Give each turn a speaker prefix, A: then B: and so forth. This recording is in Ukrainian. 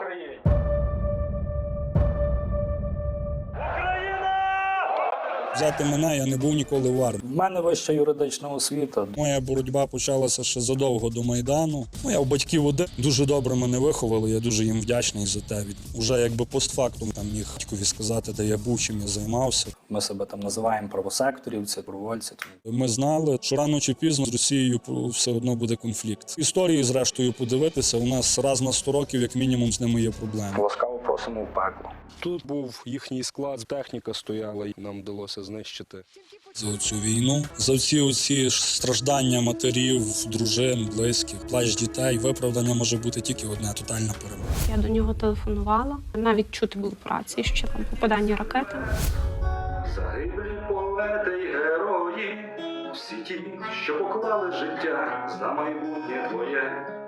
A: Україні!
B: Взяти мене, я не був ніколи в армії.
C: У мене вища юридична освіта.
B: Моя боротьба почалася ще задовго до Майдану. Я у батьків один. Дуже добре мене виховали, я дуже їм вдячний за те. Уже якби постфактум там міг батькові сказати, де я був, чим я займався.
C: Ми себе там називаємо правосекторівці, добровольці.
B: Ми знали, що рано чи пізно з Росією все одно буде конфлікт. Історії, зрештою, подивитися, у нас раз на 100 років, як мінімум, з ними є проблеми.
C: Ласкаво просимо в пекло.
D: Тут був їхній склад, техніка стояла, і нам вдалося знищити.
B: За цю війну, за оці страждання матерів, дружин, близьких, плач дітей, виправдання може бути тільки одне – тотальна перемога.
E: Я до нього телефонувала, навіть чути було по рації, що там попадання ракети.
A: Загиблі поети й герої, всі ті, що поклали життя за майбутнє твоє.